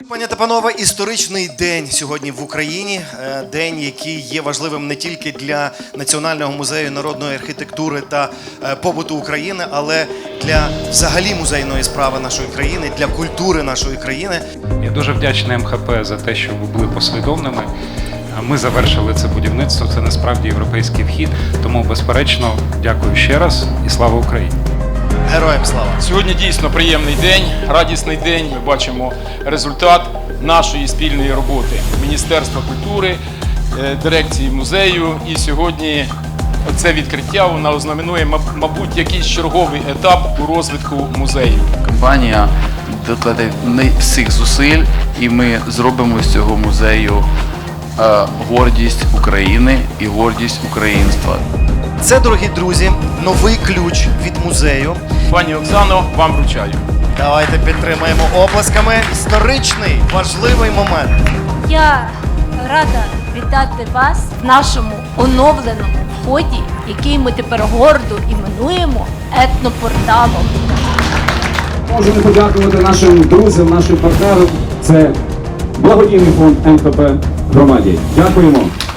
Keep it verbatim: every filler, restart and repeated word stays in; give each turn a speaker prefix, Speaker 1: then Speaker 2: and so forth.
Speaker 1: Пані та панове, історичний день сьогодні в Україні. День, який є важливим не тільки для Національного музею народної архітектури та побуту України, але для взагалі музейної справи нашої країни, для культури нашої країни.
Speaker 2: Я дуже вдячний ем ха пе за те, що ви були послідовними. Ми завершили це будівництво, це насправді європейський вхід. Тому, безперечно, дякую ще раз і слава Україні!
Speaker 1: Героям слава!
Speaker 3: Сьогодні дійсно приємний день, радісний день. Ми бачимо результат нашої спільної роботи Міністерства культури, дирекції музею. І сьогодні це відкриття воно ознаменує, мабуть, якийсь черговий етап у розвитку музею.
Speaker 4: Компанія докладе всіх зусиль, і ми зробимо з цього музею гордість України і гордість українства.
Speaker 1: Це, дорогі друзі, новий ключ від музею.
Speaker 3: Пані Оксано, вам вручаю.
Speaker 1: Давайте підтримаємо оплесками. Історичний, важливий момент.
Speaker 5: Я рада вітати вас в нашому оновленому вході, який ми тепер гордо іменуємо етнопорталом.
Speaker 6: Можемо подякувати нашим друзям, нашим партнерам. Це благодійний фонд ем ха пе громаді. Дякуємо.